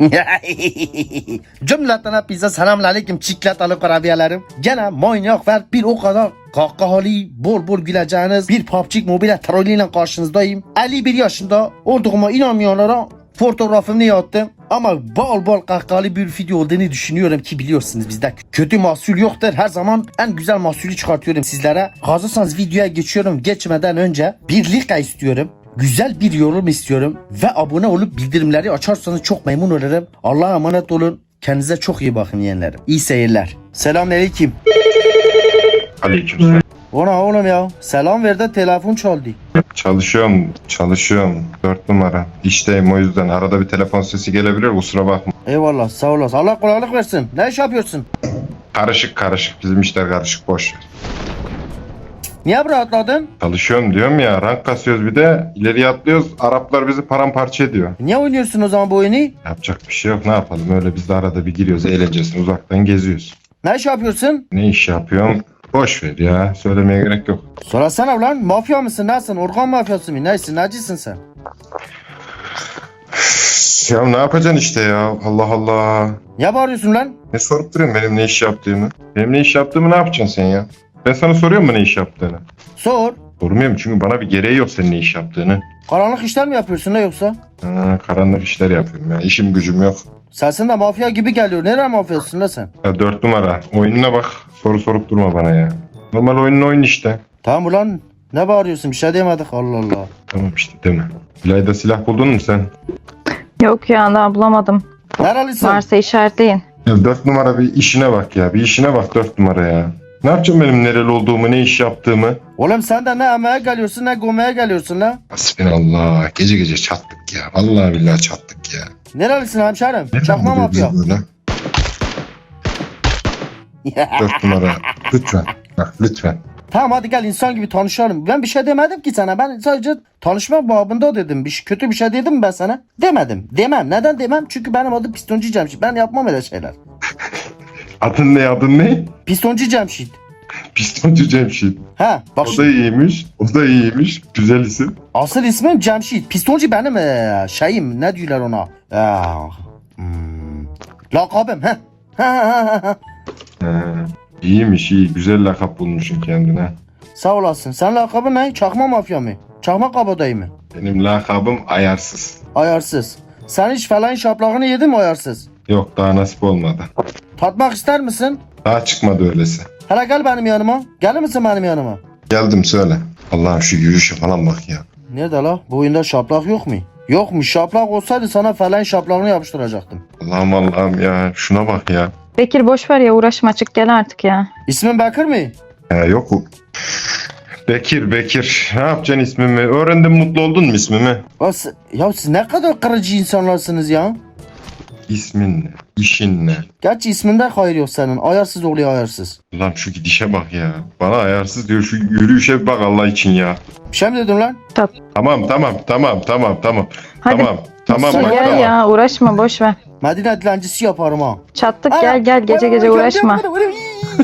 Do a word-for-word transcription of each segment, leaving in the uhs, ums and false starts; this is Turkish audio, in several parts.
Cümleten hepinize selamünaleyküm çikolatalı kurabiyelerim. Gene manyak ve bir o kadar kahkahalı, bol bol güleceğiniz bir P U B G Mobile trollüyle karşınızdayım. elli bir yaşında olduğuma inanmayanlara fotoğrafımı yaptım. Ama bol bol kahkahalı bir video olduğunu düşünüyorum ki biliyorsunuz bizde kötü mahsul yoktur. Her zaman en güzel mahsulü çıkartıyorum sizlere. Hazırsanız videoya geçiyorum. Geçmeden önce bir like istiyorum. Güzel bir yorum istiyorum. Ve abone olup bildirimleri açarsanız çok memnun olurum. Allah'a emanet olun. Kendinize çok iyi bakın yeğenlerim. İyi seyirler. Selamünaleyküm. Aleykümselam. Ona oğlum ya. Selam ver de telefon çaldı. Çalışıyorum, çalışıyorum. Dört numara. İşteyim o yüzden. Arada bir telefon sesi gelebilir, kusura bakma. Eyvallah sağ olasın. Allah kolaylık versin. Ne iş yapıyorsun? Karışık karışık. Bizim işler karışık, boş. Niye rahatladın? Çalışıyorum diyorum ya. Rank kasıyoruz bir de. İleriye atlıyoruz. Araplar bizi paramparça ediyor. Niye oynuyorsun o zaman bu oyunu? Yapacak bir şey yok. Ne yapalım? Öyle biz de arada bir giriyoruz. Eğlencesine uzaktan geziyoruz. Ne iş yapıyorsun? Ne iş yapıyorum? Boş ver ya. Söylemeye gerek yok. Sorasana lan. Mafya mısın? Nesin? Organ mafyası mı? Neysin? Necisin sen? Ya ne yapacaksın işte ya? Allah Allah. Niye bağırıyorsun lan? Ne sorup duruyorsun benim ne iş yaptığımı? Benim ne iş yaptığımı ne yapacaksın sen ya? Ben sana soruyor mu ne iş yaptığını? Sor. Sormuyorum çünkü bana bir gereği yok senin ne iş yaptığını. Karanlık işler mi yapıyorsun ne yoksa? Ha, karanlık işler yapıyorum ya. İşim gücüm yok. Sesin de mafya gibi geliyor. Nereye mafyasın lan sen? Ya dört numara. Oyununa bak. Soru sorup durma bana ya. Normal oyunun oyun işte. Tamam ulan. Ne bağırıyorsun? Bir şey demedik. Allah Allah. Tamam işte değil mi? İlayda silah buldun mu sen? Yok ya daha bulamadım. Nerelisin? Varsa işaretleyin. Ya dört numara bir işine bak ya. Bir işine bak dört numara ya. Ne yapacağım benim nereli olduğumu, ne iş yaptığımı? Oğlum sen de ne emeğe geliyorsun ne gomeye geliyorsun lan. Hasbinallah. Gece gece çattık ya. Vallahi billahi çattık ya. Nerelisin hemşerim? Neden Çakma oluyor bize mafya. böyle? Dört numara. Lütfen. Bak lütfen. Tamam hadi gel insan gibi tanışalım. Ben bir şey demedim ki sana. Ben sadece tanışma babında dedim. Bir şey, kötü bir şey dedim mi ben sana? Demedim. Demem. Neden demem? Çünkü benim adım Pistoncu Cemşit. Ben yapmam öyle şeyler. Adın ne adın ne? Pistoncu Cemşit. Pistoncu Cemşit. Ha bak O da şimdi. iyiymiş. O da iyiymiş. Güzel isim. Asıl ismim Cemşit. Pistoncu benim ee, şeyim. Ne diyorlar ona? Ee, hmm, lakabım. Ha. Ha, ha, ha. He. İyiymiş iyi. Güzel lakap bulmuşsun kendine. Sağ olasın. Sen lakabın ne? Çakma mafya mı? Çakma kabadayı mı? Benim lakabım ayarsız. Ayarsız. Sen hiç falan şaplağını yedin mi ayarsız? Yok daha nasip olmadı. Tatmak ister misin? Daha çıkmadı öylesi. Hele gel benim yanıma. Gelir misin benim yanıma? Geldim söyle. Allah'ım şu yürüyüşe falan bak ya. Nerede la? Bu oyunda şaplak yok mu? Yok mu? Şaplak olsaydı sana falan şaplağını yapıştıracaktım. Allah'ım Allah'ım ya. Şuna bak ya. Bekir boş ver ya uğraşma çık gel artık ya. İsmin Bekir mi? He yok o. Bekir Bekir. Ne yapacaksın ismimi? Öğrendin mutlu oldun mu ismimi? Ya, siz- ya siz ne kadar kırıcı insanlarsınız ya. İsmin ne? İşin ne? Gerçi isminde hayır yok senin. Ayarsız oluyor ayarsız. Allah'ım şu gidişe bak ya. Bana ayarsız diyor şu yürüyüşe bir bak Allah için ya. Bir şey mi dedim lan? Tamam tamam tamam tamam tamam. Hadi. Tamam. Tamam Sen bak Gel tamam. ya uğraşma boş ver. Medine dilencisi yaparım ha. Çattık Ana, gel gel gece ana, gece ana, uğraşma. ana, ana, ana.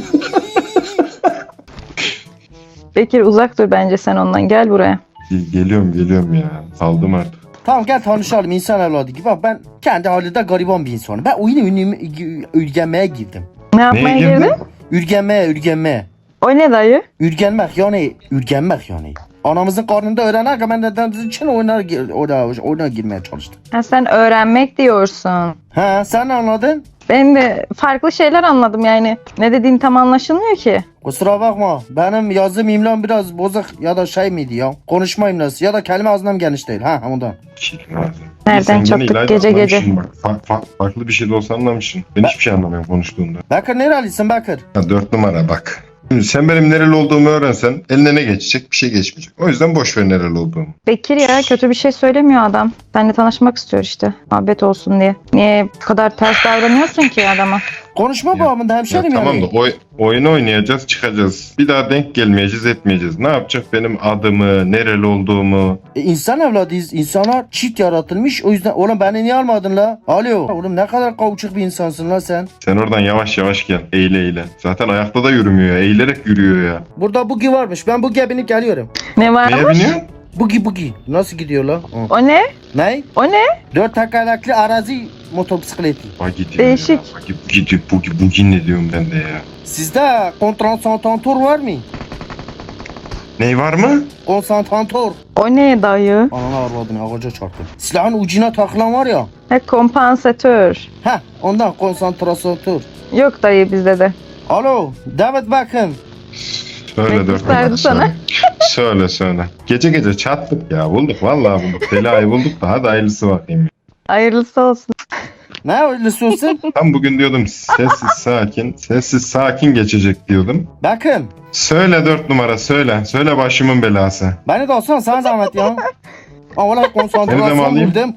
Bekir uzak dur bence sen ondan gel buraya. Ge- Geliyorum geliyorum ya. Saldım artık. Tamam gel tanışalım insan evladı gibi. Bak ben kendi halinde gariban bir insanım. Ben oyunu ünlü- ürgenmeye girdim. Ne yapmaya Neye girdin? girdin? Ürgenmeye, ürgenmeye. O ne dayı? Ürgenmek yani, ürgenmek yani. Anamızın karnında öğrenerken ben de için oyuna, gir- oyuna, oyuna girmeye çalıştım. Ha, sen öğrenmek diyorsun. Ha sen ne anladın? Ben de farklı şeyler anladım yani. Ne dediğin tam anlaşılmıyor ki. Kusura bakma benim yazdığım imlam biraz bozuk ya da şey miydi ya? Konuşma imlası ya da kelime ağzından geniş değil. Ha ondan. Şirin lazım. Nereden Sen gene çattık İlayda gece gece? anlamışsın Bak. Fa- fa- farklı bir şey de olsa anlamışsın. Ben hiçbir şey anlamıyorum konuştuğunda. Bekir nerelisin Bekir? Ha, dört numara bak. Şimdi sen benim nereli olduğumu öğrensen eline ne geçecek? Bir şey geçmeyecek. O yüzden boş ver nereli olduğumu. Bekir ya kötü bir şey söylemiyor adam. Seninle tanışmak istiyor işte. Muhabbet olsun diye. Niye bu kadar ters davranıyorsun ki adama? Konuşma Ya- babamın da Ya hemşerim tamam yani. da oy, oyun oynayacağız çıkacağız. Bir daha denk gelmeyeceğiz etmeyeceğiz. Ne yapacak benim adımı, nereli olduğumu? E, insan evladıyız. İnsanlar çift yaratılmış. O yüzden oğlum beni niye almadın la? Alo. Oğlum ne kadar kavuçuk bir insansın la sen. Sen oradan yavaş yavaş gel. Eğile eğile. Zaten ayakta da yürümüyor ya. Eğilerek yürüyor ya. Burada bugi varmış. Ben bu gebini geliyorum. Ne var? Neye biniyorsun? Bugi bugi. Nasıl gidiyor lan? Hı. O ne? Ne? O ne? Dört tekerlekli arazi motosikleti. Bak gidiyor Değişik. ya. Bak gidiyor. Bugi bugi ne diyorum ben de ya. Sizde kontransantantör var mı? Ney var mı? Konsantantör. O ne dayı? Ananı arvadını ağaca çarptı. Silahın ucuna takılan var ya. He, kompansatör. Heh ondan konsantrasatör. Yok dayı bizde de. Alo David Beckham. Söyle Bekir dört sardı numara, sana. söyle. Söyle söyle. Gece gece çattık ya. Bulduk vallahi bulduk. Belayı bulduk da hadi hayırlısı bakayım. Hayırlısı olsun. Ne öyle söylüyorsun? Tam bugün diyordum sessiz sakin, sessiz sakin geçecek diyordum. Beckham. Söyle dört numara söyle. Söyle başımın belası. Beni de olsan sana zahmet ya. Ama valla Seni de mi konsantrasyon alayım? buldum.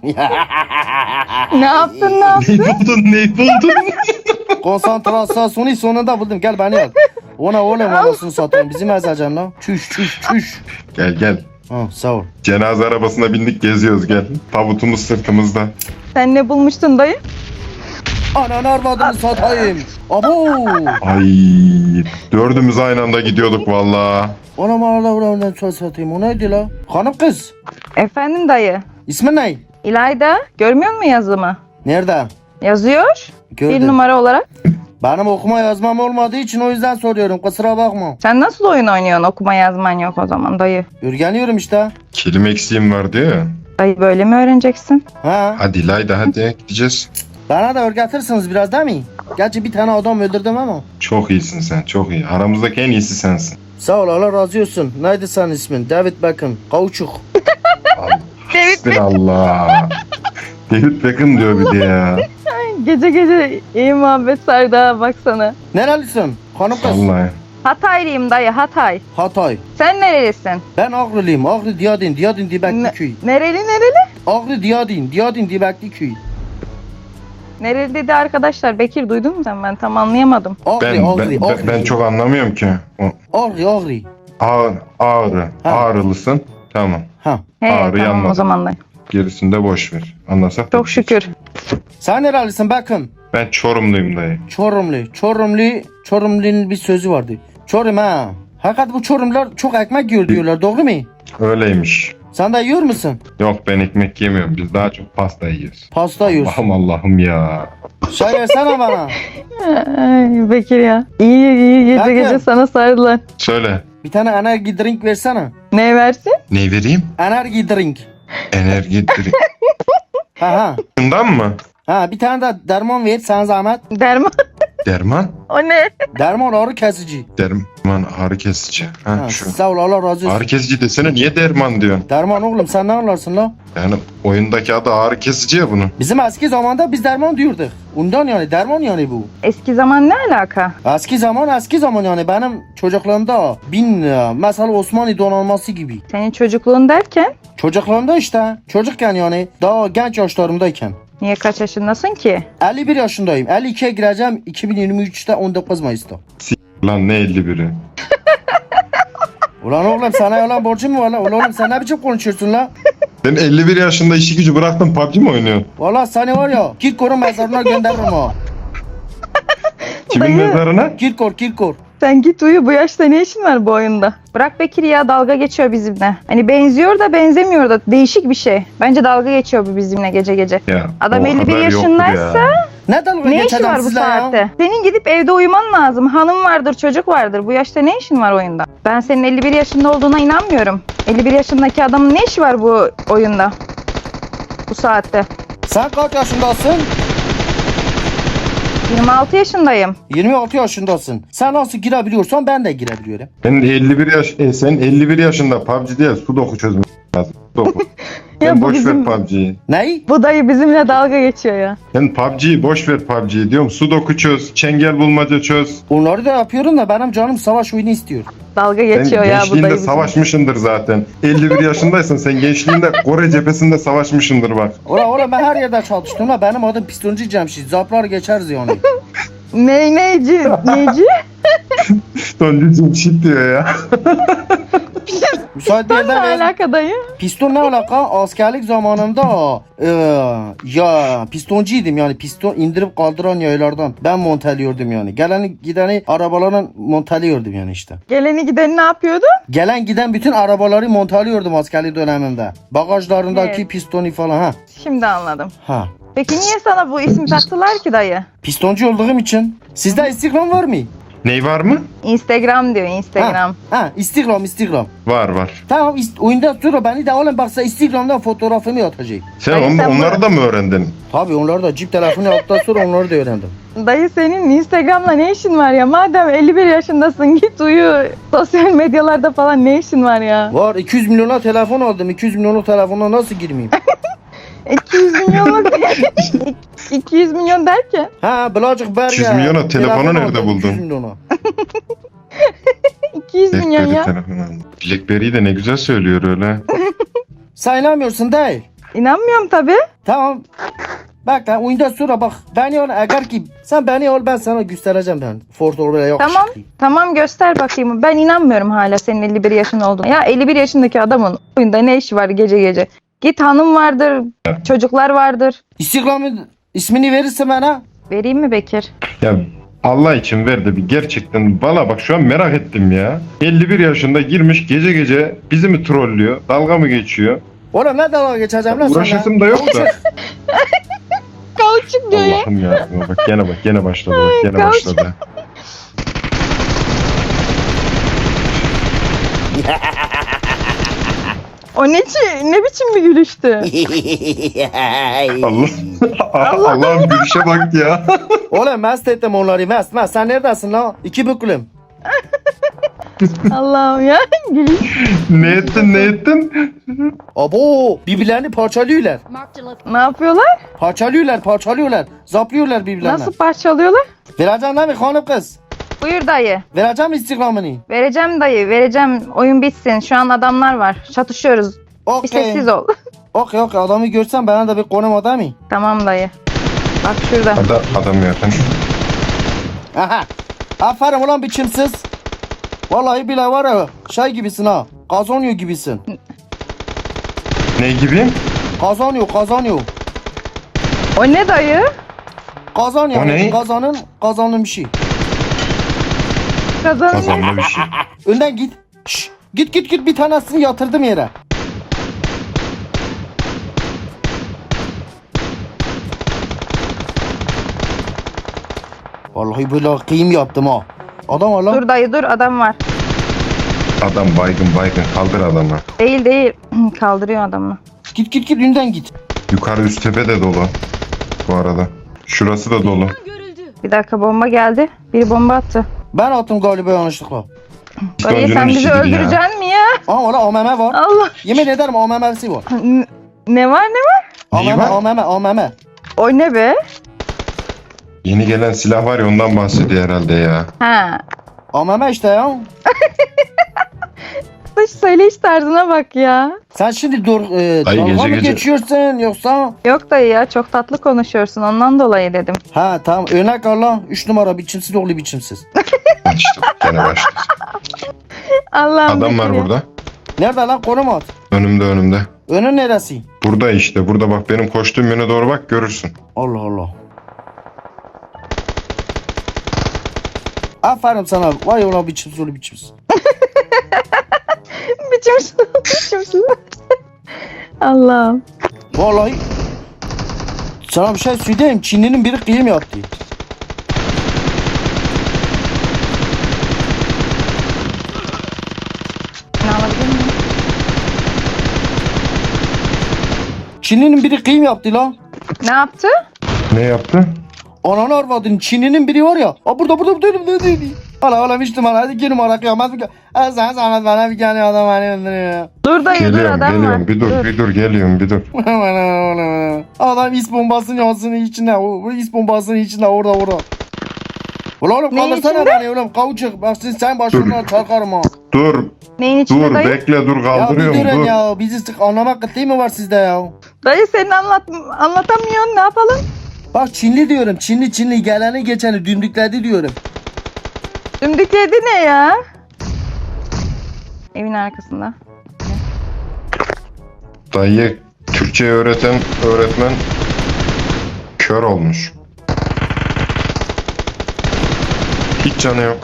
Ne yaptın ne yaptın? Neyi buldun neyi buldun? Konsantrasyonu sonunda buldum. Gel beni al. Ona oğlum anasını satayım. Bizim ezacan lan. Çüş çüş çüş. Gel gel. Ha sağ ol. Cenaze arabasına bindik geziyoruz gel. Tabutumuz sırtımızda. Sen ne bulmuştun dayı? Ananı arvadını satayım. Abo. Ay dördümüz aynı anda gidiyorduk valla. Ona Allah ulan çok satayım. O neydi la? Hanım kız. Efendim dayı. İsmin ne? İlayda görmüyor musun yazımı? Nerede? Yazıyor. Gördüm. Bir numara olarak. Benim okuma yazmam olmadığı için o yüzden soruyorum. Kusura bakma. Sen nasıl oyun oynuyorsun? Okuma yazman yok o zaman dayı. Öğreniyorum işte. Kelime eksiğim var diyor ya. Dayı böyle mi öğreneceksin? Ha. Hadi Layda hadi gideceğiz. Bana da öğretirsiniz biraz değil mi? Gerçi bir tane adam öldürdüm ama. Çok iyisin sen çok iyi. Aramızdaki en iyisi sensin. Sağ ol Allah razı olsun. Neydi senin ismin? David Beckham. Kauçuk. David Allah. David Beckham diyor bir de ya. Gece gece iyi muhabbet sardı ha baksana. Nerelisin? Hanım kız. Vallahi. Hataylıyım dayı Hatay. Hatay. Sen nerelisin? Ben Ağrılıyım. Ağrı Diyadin. Diyadin Dibekli Ne- köy. nereli nereli? Ağrı Diyadin. Diyadin Dibekli köy. Nereli dedi arkadaşlar. Bekir duydun mu sen? Ben tam anlayamadım. Ağrı, Ben, Ağrı, ben, Ağrı. ben, ben çok anlamıyorum ki. O, Ağrı, Ağrı. ağır, ağrı. Ha. Ağrılısın. Tamam. Ha. He Ağrı tamam yanmadı. o zaman da. Gerisini de boş ver. Anlasak. Çok şükür. Sen nerelisin Beckham? Ben Çorumluyum dayı. Çorumlu. Çorumlu. Çorumlu'nun bir sözü vardı. Çorum ha. Hakikat bu Çorumlar çok ekmek yiyor diyorlar. Doğru mu? Öyleymiş. Sen de yiyor musun? Yok ben ekmek yemiyorum. Biz daha çok pasta yiyoruz. Pasta yiyorsun. Allah'ım Allah'ım ya. Şey versene bana. Ay Bekir ya. İyi iyi gece Bakın. gece sana sardılar. Söyle. Bir tane enerji drink versene. Ne versin? Ne vereyim? Enerji drink. Enerji drink. Ha ha. Bundan mı? Ha bir tane de derman ver sana zahmet. Derman. Derman? O ne? Derman ağrı kesici. Derman ağrı kesici. Ha, Ha, şu. sağ ol Allah razı olsun. Ağrı kesici desene niye derman diyorsun? Derman oğlum sen ne anlarsın la? Yani oyundaki adı ağrı kesici ya bunun. Bizim eski zamanda biz derman diyorduk. Ondan yani derman yani bu. Eski zaman ne alaka? Eski zaman eski zaman yani benim çocukluğumda bin lira. Mesela Osmanlı donanması gibi. Senin çocukluğun derken? Çocukluğumda işte çocukken yani daha genç yaşlarımdayken. Niye kaç yaşındasın ki? elli bir yaşındayım. elli ikiye gireceğim iki bin yirmi üçte on dokuz Mayıs'ta. Lan ne elli biri. Ulan oğlum sana yalan borcum mu var lan? Ulan oğlum sen ne biçim konuşuyorsun lan? Ben elli bir yaşında işi gücü bıraktım P U B G mi oynuyorsun? Valla seni var ya Kirkor'un mezarına gönderirim ha. Kimin Dayı. mezarına? Kirkor Kirkor. Sen git uyu, bu yaşta ne işin var bu oyunda? Bırak Bekir ya, dalga geçiyor bizimle. Hani benziyor da benzemiyor da, değişik bir şey. Bence dalga geçiyor bu bizimle gece gece. Ya, Adam o elli bir kadar yoktur yaşındaysa ya. Ne dalga ne işi geçeceğim var bu sizle ya? saatte? Senin gidip evde uyuman lazım. Hanım vardır, çocuk vardır. Bu yaşta ne işin var oyunda? Ben senin elli bir yaşında olduğuna inanmıyorum. elli bir yaşındaki adamın ne işi var bu oyunda? Bu saatte. Sen kaç yaşındasın? yirmi altı yaşındayım. yirmi altı yaşındasın. Sen nasıl girebiliyorsan ben de girebiliyorum. Ben elli bir yaş, e, sen elli bir yaşında P U B G değil Sudoku çözmek lazım. Sudoku. Ya Sen bu boş bizim- ver P U B G'yi. Ney? Bu dayı bizimle dalga geçiyor ya. Sen P U B G'yi boş ver P U B G'yi diyorum. Sudoku çöz, çengel bulmaca çöz. Onları da yapıyorum da benim canım savaş oyunu istiyor. Dalga Sen geçiyor ya bu gençliğinde dayı bizimle. savaşmışındır zaten. elli bir yaşındaysan sen gençliğinde Kore cephesinde savaşmışındır bak. Ola ola ben her yerde çalıştım la. Benim adım Pistoncu Cemşit. Zaplar geçeriz yani. Ne neyci? Neyci? Doncu cimşit diyor ya. Müsait bir Ne yerden ver. alaka dayı? Piston ne alaka? Askerlik zamanında e, ya pistoncuydım yani piston indirip kaldıran yaylardan ben monteliyordum yani. Geleni gideni arabaların monteliyordum yani işte. Geleni gideni ne yapıyordu? Gelen giden bütün arabaları monteliyordum askerlik dönemimde. Bagajlarındaki Evet. pistoni falan ha. Şimdi anladım. Ha. Peki niye sana bu ismi taktılar ki dayı? Pistoncu olduğum için. Sizde Instagram var mı? Ney var mı? Instagram diyor Instagram. Ha, ha Instagram Instagram. Var var. Tamam ist- oyundan sonra beni de alın baksa Instagram'dan fotoğrafımı atacak. Sen, Hayır, on- sen onları bu- da mı öğrendin? Tabii onları da cip telefonu yaptıktan sonra onları da öğrendim. Dayı senin Instagram'la ne işin var ya? Madem elli bir yaşındasın git uyu. Sosyal medyalarda falan ne işin var ya? Var iki yüz milyona telefon aldım. iki yüz milyonluk telefona nasıl girmeyeyim? iki yüz milyonluk iki yüz milyon derken Ha Blacık Ber ya. iki yüz milyona telefonu Telefon nerede aldım, buldun? iki yüz milyona. iki yüz milyon Blackberry ya. telefonu aldım. Blackberry'i de ne güzel söylüyor öyle. Sen inanmıyorsun değil. İnanmıyorum tabi. Tamam. Bak lan oyundan sonra bak. Beni al eğer ki sen beni al ben sana göstereceğim ben. Ford böyle yok. Tamam. Tamam göster bakayım. Ben inanmıyorum hala senin elli bir yaşın olduğuna. Ya elli bir yaşındaki adamın oyunda ne işi var gece gece? Git hanım vardır, çocuklar vardır. Instagram'ın ismini verirse bana. Vereyim mi Bekir? Ya Allah için ver de bir gerçekten valla bak şu an merak ettim ya. elli bir yaşında girmiş gece gece bizi mi trollüyor? Dalga mı geçiyor? Oğlum ne dalga geçeceğim lan sana? Uğraşasım da yok da. Kauçuk diyor ya. Allah'ım ya. Bak gene bak gene başladı bak gene Ay, başladı. O ne, çi- ne biçim bir gülüştü? Allah Allah'ım gülüşe bak ya. Oğlum mest ettim onları mest mest. Sen neredesin lan? İki büklüm. Allah'ım ya gülüş. Ne ettin ne ettin? Abo birbirlerini parçalıyorlar. Marked a location. Ne yapıyorlar? Parçalıyorlar parçalıyorlar. Zaplıyorlar birbirlerine. Nasıl parçalıyorlar? Vereceğim değil mi hanım kız? Buyur dayı. Vereceğim Instagram'ını. Vereceğim dayı, vereceğim. Oyun bitsin. Şu an adamlar var. Çatışıyoruz. Bir Okey. sessiz ol. Okey okey adamı görsem bana da bir konum adamı. Tamam dayı. Bak şurada. Adam, adam yakın. Aha. Aferin ulan biçimsiz. Vallahi bile var ya şey gibisin ha. Kazanıyor gibisin. Ne gibi? Kazanıyor kazanıyor. O ne dayı? Kazanıyor. O ne? Kazanın kazanın bir şey. Kazanın. Kazanma bir şey. Önden git. Şş, git git git bir tanesini yatırdım yere. Vallahi böyle kıyım yaptım ha. Adam var lan. Dur dayı dur adam var. Adam baygın baygın kaldır adamı. Değil değil. Kaldırıyor adamı. Git git git önden git. Yukarı üst tepe de dolu. Bu arada. Şurası da dolu. Görüldü. Bir dakika bomba geldi. Bir bomba attı. Ben attım galiba yanlışlıkla. Dayı Öncünün sen bizi işidir ya. öldüreceksin mi ya? Aa valla A M M var. Allah. Yemin ederim A M M'si var. N- Ne var ne var? Neyi A M M var? A M M A M M. O ne be? Yeni gelen silah var ya ondan bahsediyor herhalde ya. Ha. A M M işte ya. Dış söyleyiş tarzına bak ya. Sen şimdi dur e, Dayı dalga gece mı gece- geçiyorsun yoksa? Yok dayı ya çok tatlı konuşuyorsun ondan dolayı dedim. Ha tamam örnek al lan. üç numara biçimsiz oğlu biçimsiz. İşte gene başladı. Allah'ım. Adam var Bekir ya. burada. Nerede lan konum at. Önümde önümde. Önün neresi? Burada işte. Burada bak benim koştuğum yöne doğru bak görürsün. Allah Allah. Aferin sana. Vay ulan biçimsiz oğlu biçimsiz. Biçimsiz. Biçimsiz. Allah'ım. Vallahi sana bir şey söyleyeyim. Çinli'nin biri kıyım yaptı. Ne alabilir miyim? Çinli'nin biri kıyım yaptı lan. Ne yaptı? Ne yaptı? Ananı arvadın Çinli'nin biri var ya. Aa burada burada burada burada burada. Hala hala bir numara hadi iki numara kıyamet bir kıyamet. Sen sana bana bir tane adam beni öldürüyor. Dur dayı dur Geliyorum adam geliyorum. var. Bir dur, bir dur geliyorum bir dur. Adam is bombasının ağzının içinde. O bu is bombasının içinde orada orada. Ulan oğlum Neyin kaldırsana içinde? beni oğlum kavuçuk. Bak siz sen başımdan çarkarım ha. Dur Neyin içinde dur dayı? bekle dur Ya bir kaldırıyorum durun dur. ya. Bizi sık anlamak kıtlığı mı var sizde ya? Dayı senin anlat anlatamıyorsun ne yapalım? Bak Çinli diyorum. Çinli Çinli geleni geçeni dümdükledi diyorum. Dümdükledi ne ya? Evin arkasında. Dayı Türkçe öğreten öğretmen kör olmuş. Hiç canı yok.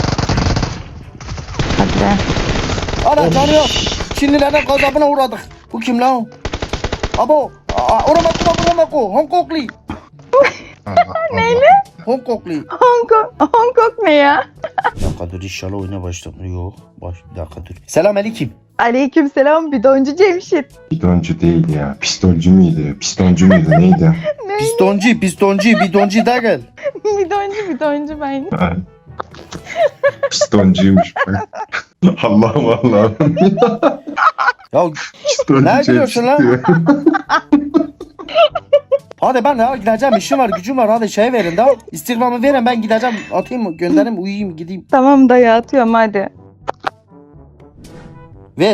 Hadi be. Ana canı yok. Çinlilerden gazabına uğradık. Bu kim lan? Abo. Oramaku oramaku. Hong Kongli. Neyle? Hong Kongli. Hong Kong, Hong Kong ne ya? Bir dakika dur inşallah oyuna başladım. Yok. Baş, bir dakika dur. Selam aleyküm. Aleykümselam bidoncu Cemşit. Bidoncu değil ya. Pistolcu muydu? Pistoncu muydu? Neydi? Ne? Pistoncu, pistoncu, bidoncu da gel. bidoncu bidoncu ben. Ha. Pistoncuymuş. Allah'ım Allah'ım. Ya Pistoncu Ne gülüyorsun lan? diyor. hadi ben ya gideceğim işim var gücüm var hadi şey verin da. Instagram'ı verin ben gideceğim atayım göndereyim uyuyayım gideyim. Tamam dayı atıyorum hadi. Ver.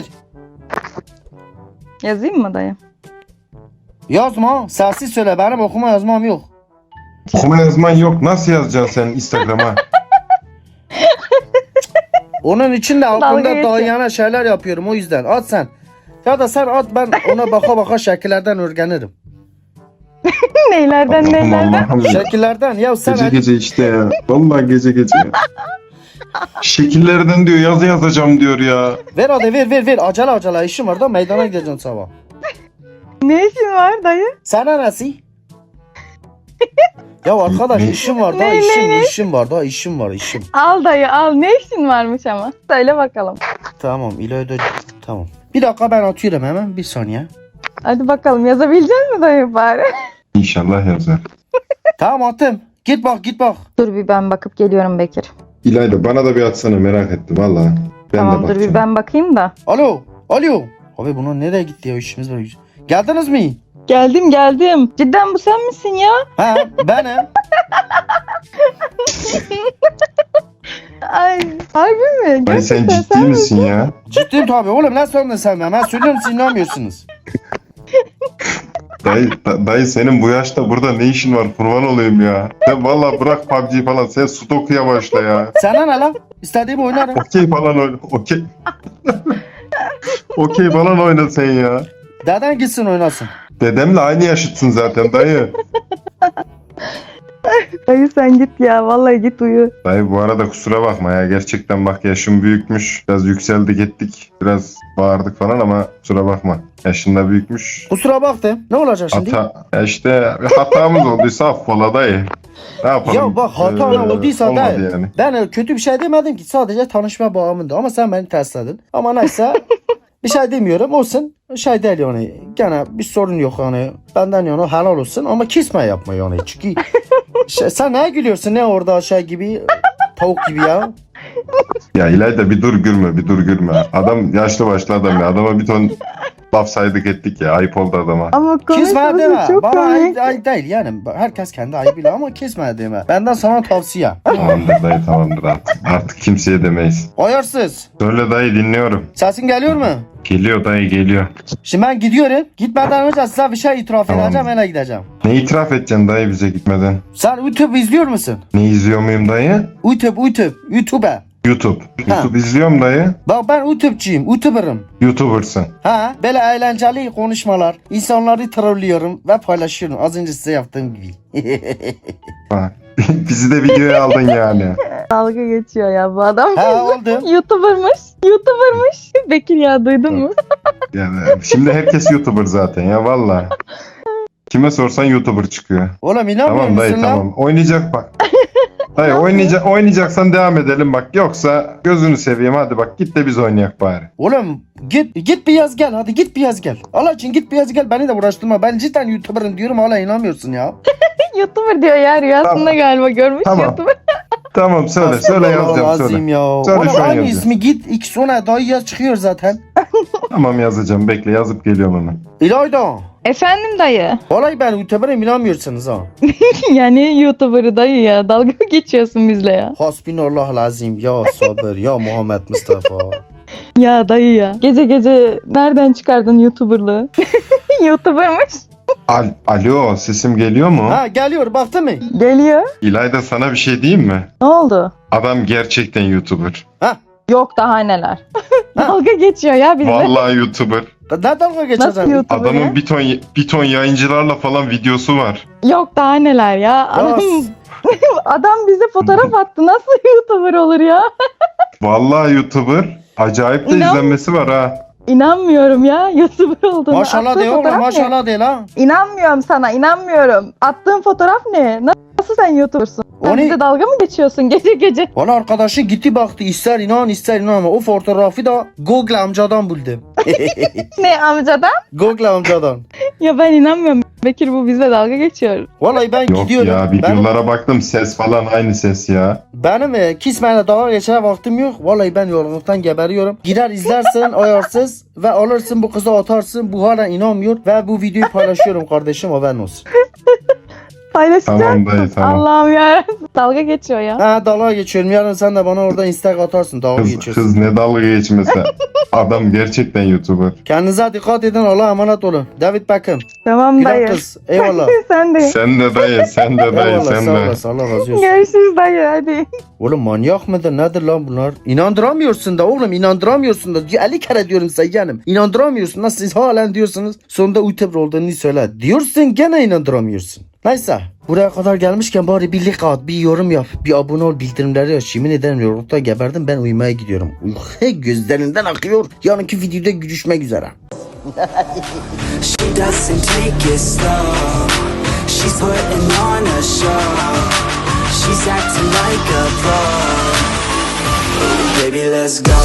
Yazayım mı dayı? Yazma sessiz söyle benim okuma yazmam yok. Okuma yazman yok. Nasıl yazacaksın sen Instagram'a? Onun için de Dalga aklımda geçiyor. dayana şeyler yapıyorum o yüzden at sen. Ya da sen at ben ona baka baka şekillerden öğrenirim. Neylerden Allah'ım neylerden? Allah'ım. Şekillerden ya sen Gece hadi- gece işte ya. Vallahi gece gece ya. Şekillerden diyor yazı yazacağım diyor ya. ver hadi ver ver ver acele acele işim var da meydana gideceğim sabah. Ne işin var dayı? Sana nasıl? Ya arkadaş Ne? işim var da Ne, ne, işim ne? işim var da işim var işim. Al dayı al ne işin varmış ama. Söyle bakalım. Tamam İlayda tamam. Bir dakika ben atıyorum hemen bir saniye. Hadi bakalım yazabilecek misin dayı bari? İnşallah yazar. Tamam attım. Git bak git bak. Dur bir ben bakıp geliyorum Bekir. İlayda bana da bir atsana merak ettim valla. Ben tamam de dur bakacağım. bir ben bakayım da. Alo. Alo. Abi bunun nereye gitti ya işimiz var. Geldiniz mi? Geldim geldim. Cidden bu sen misin ya? Ha benim. Ay harbi mi? Ay sen Gerçekten ciddi misin ya? Ciddiyim tabii oğlum ne sandın sen ben? Ben söylüyorum siz inanmıyorsunuz. Dayı, da- dayı senin bu yaşta burada ne işin var kurban olayım ya. Sen valla bırak P U B G falan sen Sudoku'ya başla ya. Sana ne lan? İstediğimi oynarım. Okey falan oyna. Okey. Okey falan oyna sen ya. Deden gitsin oynasın. Dedemle aynı yaşıtsın zaten dayı. Dayı sen git ya vallahi git uyu. Dayı bu arada kusura bakma ya. Gerçekten bak yaşım büyükmüş. Biraz yükseldik ettik. Biraz bağırdık falan ama kusura bakma. Yaşında büyükmüş. Kusura baktım. Ne olacak şimdi? Hata, ya işte bir hatamız olduysa affola dayı. Ne yapalım? Ya bak hata Ee, olduysa olmadı da yani. ben kötü bir şey demedim ki sadece tanışma bağımında ama sen beni tersledin. Ama neyse bir şey demiyorum olsun şey değil yani gene bir sorun yok yani benden yana helal olsun ama kesme yapma yani çünkü şey, sen ne gülüyorsun ne orada şey gibi tavuk gibi ya. Ya İlayda bir dur gülme bir dur gülme. Adam yaşlı başlı adam ya. Adama bir ton laf saydık ettik ya. Ayıp oldu adama. Ama Kesme konuşması deme. çok Bana komik. ayıp, ayıp değil yani. Herkes kendi ayıbıyla ama kesme deme. Benden sana tavsiye. Tamamdır dayı tamamdır artık. Artık kimseye demeyiz. Ayarsız. Söyle dayı dinliyorum. Sesin geliyor mu? Geliyor dayı geliyor. Şimdi ben gidiyorum. Gitmeden önce size bir şey itiraf Tamam. edeceğim. Öyle gideceğim. Ne itiraf edeceksin dayı bize gitmeden? Sen YouTube izliyor musun? Ne izliyor muyum dayı? YouTube, YouTube, YouTube'a. YouTube. Ha. YouTube izliyorum dayı. Bak ben YouTube'cuyum, YouTuber'ım. YouTuber'sın. Ha, böyle eğlenceli konuşmalar, insanları trollüyorum ve paylaşıyorum. Az önce size yaptığım gibi. Bak. Bizi de videoya aldın yani. Dalga geçiyor ya bu adam. ha oldu. YouTuber'mış. YouTuber'mış. Bekir ya duydun mu? Yani şimdi herkes YouTuber zaten ya valla. Kime sorsan YouTuber çıkıyor. Oğlum inanmıyor Tamam dayı musun lan? tamam. Oynayacak bak. Dayı oynayacak, oynayacaksan devam edelim bak. Yoksa gözünü seveyim hadi bak git de biz oynayak bari. Oğlum git git bir yaz gel hadi git bir yaz gel. Allah için git bir yaz gel beni de uğraştırma. Ben cidden YouTuber'ım diyorum hala inanmıyorsun ya. YouTuber diyor ya rüyasında Tamam. galiba görmüş Tamam. YouTuber. Tamam söyle söyle yazacağım Azim söyle. ya. Söyle, Oğlum şu an aynı yazıyorum. ismi git iki sonra dayı yaz çıkıyor zaten. Tamam yazacağım bekle yazıp geliyorum hemen. İlayda. Efendim dayı. Olay ben YouTuber'ım inanmıyorsunuz ha. Yani YouTuber'ı dayı ya. Dalga geçiyorsun bizle ya. Hasbinallah lazim ya sabır ya Muhammed Mustafa. Ya dayı ya. Gece gece nereden çıkardın YouTuber'lığı? YouTuber'mış. Al Alo sesim geliyor mu? Ha geliyor baktı mı? Geliyor. İlayda sana bir şey diyeyim mi? Ne oldu? Adam gerçekten YouTuber. Ha Yok daha neler. Ha. Dalga geçiyor ya bizle. Vallahi YouTuber. Ne dalga Nasıl geçeceksin? YouTuber ya? Adamın bir ton bir ton yayıncılarla falan videosu var. Yok daha neler ya. Adam, adam bize fotoğraf attı. Nasıl YouTuber olur ya? Vallahi YouTuber. Acayip de İnan- izlenmesi var ha. İnanmıyorum ya YouTuber olduğunu. Maşallah Attığın de oğlum fotoğraf ne? maşallah de la. İnanmıyorum sana inanmıyorum. Attığın fotoğraf ne? Nasıl sen YouTuber'sın? Sen O ne? bize dalga mı geçiyorsun gece gece? Bana arkadaşı gitti baktı ister inan ister inanma. O fotoğrafı da Google amcadan buldum. Ne amcadan? Google amcadan. Ya ben inanmıyorum. Bekir bu bize dalga geçiyor. Vallahi ben Yok gidiyorum. ya benim, videolara baktım ses falan aynı ses ya. benim e, kismeyle dalga geçene vaktim yok. Vallahi ben yorgunluktan geberiyorum. Gider izlersin ayarsız ve alırsın bu kızı atarsın. Bu hala inanmıyor ve bu videoyu paylaşıyorum kardeşim haberin olsun. Paylaşacak Tamam dayı mısın? tamam. Allah'ım ya. Dalga geçiyor ya. Ha dalga geçiyorum. Yarın sen de bana orada istek atarsın. Dalga Kız, geçiyorsun. kız ne dalga geçmesi. Adam gerçekten YouTuber. Kendinize dikkat edin. Allah'a emanet olun. David Beckham. Tamam Güzel dayı. kız. Eyvallah. Sen de. Sen de dayı, sen de dayı, Eyvallah sen sağ de. olasın. Allah razı olsun. Görüşürüz dayı hadi. Oğlum manyak mıdır nedir lan bunlar? İnandıramıyorsun da oğlum inandıramıyorsun da. elli kere diyorum sayyanım. İnandıramıyorsun. Nasıl siz halen diyorsunuz. Sonunda YouTuber olduğunu söyle. Diyorsun gene inandıramıyorsun. Neyse. Buraya kadar gelmişken bari bir like at, bir yorum yap, bir abone ol, bildirimleri aç. Yemin ederim yorulukta geberdim ben uyumaya gidiyorum. Uyku gözlerinden akıyor. Yarınki videoda görüşmek üzere. She doesn't take it slow. She's putting on a show. She's acting like a pro. Baby, let's go.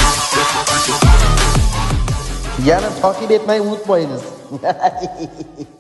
Yarın takip etmeyi unutmayınız.